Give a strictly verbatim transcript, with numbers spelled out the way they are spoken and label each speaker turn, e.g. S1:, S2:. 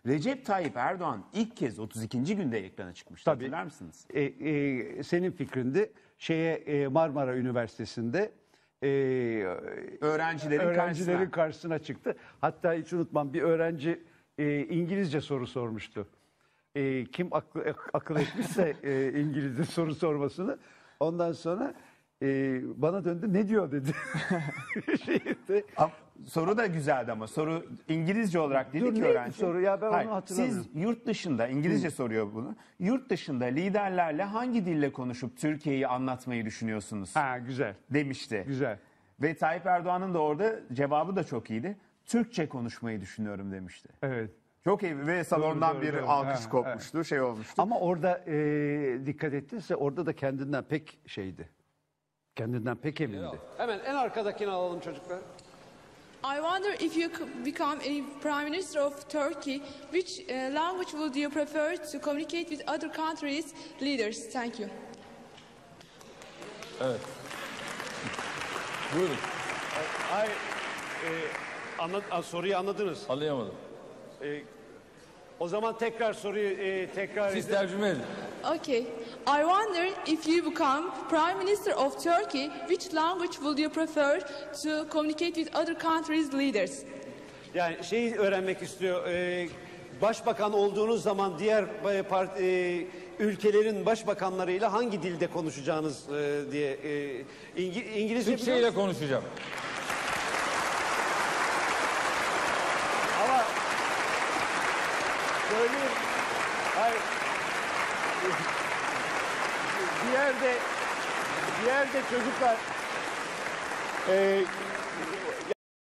S1: Recep Tayyip Erdoğan ilk kez otuz ikinci günde ekrana çıkmıştı.
S2: Tabii.
S1: Hatırlar mısınız?
S2: E, e, senin fikrindi. Şeye e, Marmara Üniversitesi'nde e,
S1: Öğrencilerin,
S2: öğrencilerin
S1: karşısına.
S2: karşısına çıktı. Hatta hiç unutmam, bir öğrenci e, İngilizce soru sormuştu. E, kim aklı, akıl etmişse e, İngilizce soru sormasını. Ondan sonra e, bana döndü, ne diyor dedi. Şeyde,
S1: Ama soru da güzeldi ama soru İngilizce olarak dedi
S2: Dur,
S1: ki
S2: neydi
S1: öğrenci.
S2: soru ya? Ben onu
S1: Hayır,
S2: hatırlamıyorum.
S1: siz yurt dışında İngilizce soruyor bunu. Yurt dışında liderlerle hangi dille konuşup Türkiye'yi anlatmayı düşünüyorsunuz?
S2: ha güzel,
S1: Demişti.
S2: güzel.
S1: Ve Tayyip Erdoğan'ın da orada cevabı da çok iyiydi. Türkçe konuşmayı düşünüyorum demişti.
S2: Evet.
S1: Çok iyi ve salondan
S2: doğru,
S1: bir
S2: doğru.
S1: alkış
S2: Ha,
S1: kopmuştu, şey olmuştu.
S2: Ama orada e, dikkat ettinse orada da kendinden pek şeydi. Kendinden pek emindi.
S3: Hemen en arkadakini alalım çocuklar.
S4: I wonder if you could become a prime minister of Turkey, which uh, language would you prefer to communicate with other countries' leaders? Thank you.
S5: Evet. Buyurun.
S3: Hayır, e, anla- a, soruyu anladınız.
S5: Anlayamadım.
S3: E, o zaman tekrar soruyu e, tekrar
S5: Siz
S3: edin.
S5: tercüme edin.
S4: Okay. I wonder if you become prime minister of Turkey, which language would you prefer to communicate with other countries' leaders?
S3: Yani şeyi öğrenmek istiyor. E, başbakan olduğunuz zaman diğer e, part, e, ülkelerin başbakanlarıyla hangi dilde konuşacağınız e, diye e, İngi, İngilizce
S5: Türkçe
S3: biliyor
S5: ile
S3: musun?
S5: konuşacağım.
S3: Ama söyleyeyim. Hayır. Bir yerde bir yerde çocuklar e,